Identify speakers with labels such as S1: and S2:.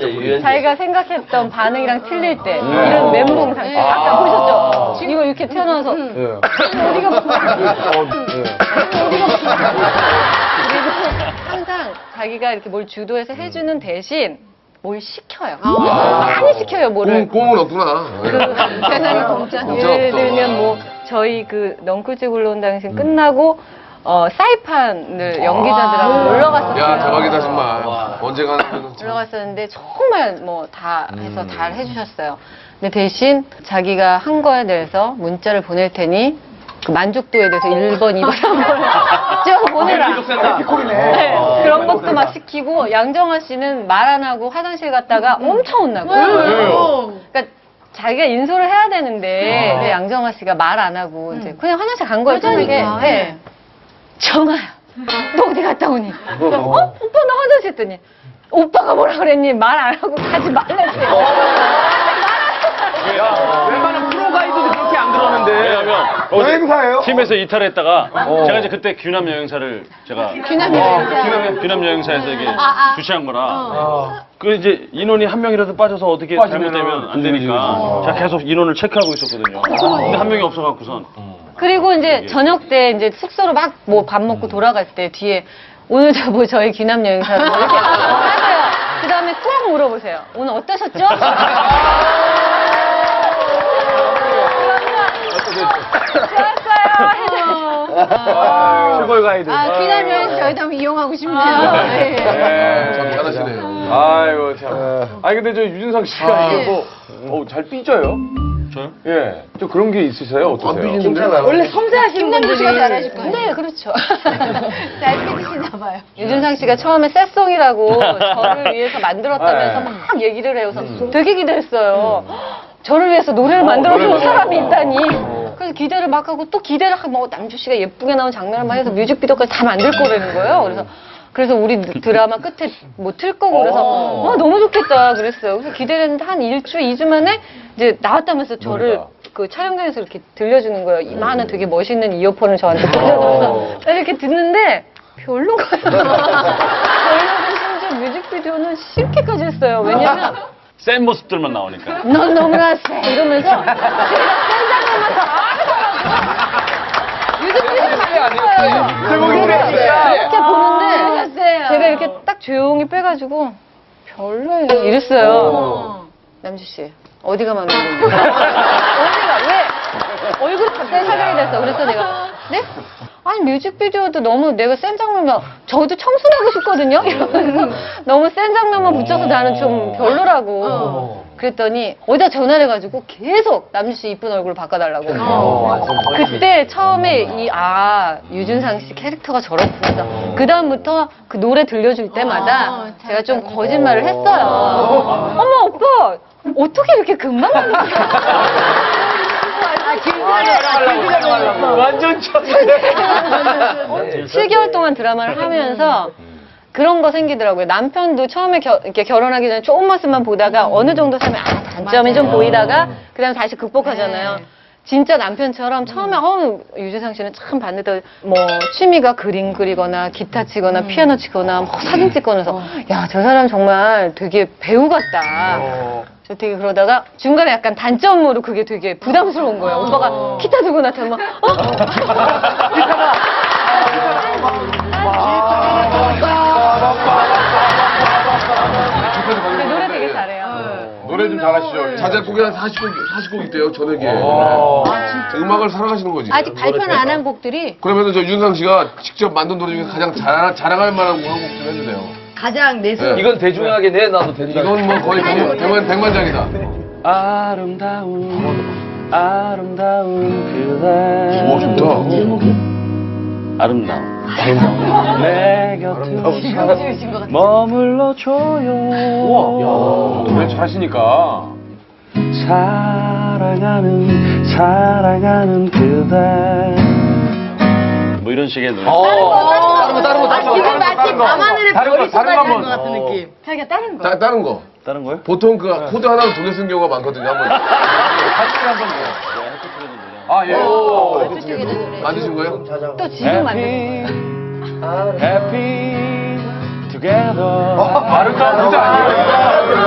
S1: 자기가 생각했던 반응이랑 틀릴 때 이런 멘붕 상태. 아까 보셨죠? 이거 이렇게 튀어나와서 어디가 그리고 항상 자기가 이렇게 뭘 주도해서 해주는 대신 뭘 시켜요. 많이 시켜요, 뭐를.
S2: 꽁은 없구나.
S1: 세상에 공짜. 예를 들면 뭐 저희 그 넝쿨집 올라온 당신 끝나고 사이판을 연기자들하고 놀러 갔었어요.
S2: 야, 대박이다, 정말. 언제 가는
S1: 놀러 갔었는데 정말 뭐 다 해서 잘 해주셨어요. 근데 대신 자기가 한 거에 대해서 문자를 보낼 테니 그 만족도에 대해서 1번, 2번, 3번 쭉 보내라. 네, 그런 것도 막 시키고 양정화 씨는 말 안 하고 화장실 갔다가 엄청 혼나고. 그러니까 자기가 인솔을 해야 되는데 근데 양정화 씨가 말 안 하고 이제 그냥 화장실 간 거예요. 편하게. 네. 정아야, 너 어디 갔다 오니? 오빠 나 화장실 했더니 오빠가 뭐라 그랬니? 말 안 하고 가지 말랬어요.
S3: 웬만한 프로 가이드도 그렇게 안 들었는데.
S4: 왜냐면
S5: 여행사예요?
S4: 팀에서 이탈했다가 제가 이제 그때 귀남 여행사를 제가 귀남 여행사에서 이게 주최한 거라 그 이제 인원이 한 명이라도 빠져서 어떻게 잘못되면 안 되니까 제가 계속 인원을 체크하고 있었거든요. 근데 한 명이 없어갖고선
S1: 그리고 이제 저녁 때 이제 숙소로 막 뭐 밥 먹고 돌아갈 때 뒤에 오늘 저 뭐 저희 귀남 여행사로 뭐 이렇게 하세요. 그 다음에 꼭 물어보세요. 오늘 어떠셨죠? 좋았어요.
S3: 최고의 가이드.
S6: 귀남 여행 저희도 한번 이용하고 싶네요.
S2: 참 잘하시네요.
S3: 아이고, 참. 아니, 근데 저 유준상 씨가 이게 뭐, 잘 삐져요?
S4: 저요?
S3: 예. 좀 그런 게 있으세요? 어떠세요?
S2: 안 삐지는데?
S6: 원래 섬세하신 분들이 잘하실 거예요.
S1: 네, 그렇죠.
S6: 잘 삐지시나 봐요.
S1: 유준상 씨가 처음에 새송이라고 저를 위해서 만들었다면서 막 얘기를 해요. 그래서 되게 기대했어요. 저를 위해서 노래를 만들어주는 사람이 있다니. 그래서 기대를 막 하고 또 기대를 하고 뭐 남주 씨가 예쁘게 나온 장면을 막 해서 뮤직비디오까지 다 만들 거라는 거예요. 그래서 우리 드라마 끝에 뭐 틀 거고 그래서 너무 좋겠다 그랬어요. 그래서 기대를 했는데 한 1주, 2주 만에 이제 나왔다면서 저를 그 촬영장에서 이렇게 들려주는 거예요. 이만한 되게 멋있는 이어폰을 저한테 꽂아놓고서 이렇게 듣는데 별론 거예요. 별로고 심지어 뮤직비디오는 싫게까지 했어요. 왜냐면
S4: 센 모습들만 나오니까.
S1: 넌 너무나 세 이러면서 제가 센 장면만 다 뮤직비디오가 아니었어요. 제가 이렇게 보는데 제가 이렇게 딱 조용히 빼가지고 별로예요 이랬어요. 남주 씨 어디가 마음에 드는데? 어디가 왜? 얼굴이 갑자기 사각이 됐어. 그래서 내가 네? 아니 뮤직비디오도 너무 내가 센 장면만 저도 청순하고 싶거든요. 이러면서 너무 센 장면만 붙여서 나는 좀 별로라고. 그랬더니 어디다 전화를 해가지고 계속 남주 씨 이쁜 얼굴 바꿔달라고. 그때 처음에 유준상 씨 캐릭터가 저렇구나. 그 다음부터 그 노래 들려줄 때마다 제가 좀 거짓말을 했어요. 어머 오빠 어떻게 이렇게 금방
S3: 완전 쳤네.
S1: 7개월 동안 드라마를 하면서 그런 거 생기더라고요. 남편도 처음에 이렇게 결혼하기 전에 조금 모습만 보다가 어느 정도 사면 단점이 좀 보이다가 그다음 다시 극복하잖아요. 진짜 남편처럼 처음에 유재상 씨는 참 봤는데 뭐 취미가 그림 그리거나 기타 치거나 피아노 치거나 뭐 사진 찍거나 해서 야, 저 사람 정말 되게 배우 같다. 저 되게 그러다가 중간에 약간 단점으로 그게 되게 부담스러운 거예요. 오빠가 기타 들고 나타나면 근데 노래 되게 잘해요.
S3: 노래 좀 잘하시죠?
S2: 자작곡이 한 40곡 있대요, 저녁에. 음악을 사랑하시는 거지.
S6: 아직 발표는 안 한 곡들이
S2: 그러면 저 윤상 씨가 직접 만든 노래 중에 가장 자랑할 만한 곡 한 곡 좀 해주세요.
S6: 가장 내수.
S3: 이건 대중하게 내놔도 된다.
S2: 이건 뭐 거의 백만장이다.
S4: 아름다운 그대.
S2: 오, 좋다.
S4: 아름다운 내 곁을 머물러 줘요.
S3: 노래 잘하시니까.
S4: 사랑하는 그대. 뭐 이런 식의 노래.
S3: 다른 거.
S6: 지금 마치 밤하늘의 별이 쏟아지는
S3: 한번.
S6: 것 같은 느낌. 자기가 다른 거.
S2: 다른 거.
S4: 다른 거요?
S2: 보통 그 코드 하나로 두 개 쓴 경우가 많거든요. 한번
S3: 아, 예.
S2: 만드신 거예요?
S1: 또 지금 만드는 거예요.
S4: Happy together.
S3: 아름다운 무대 아니에요?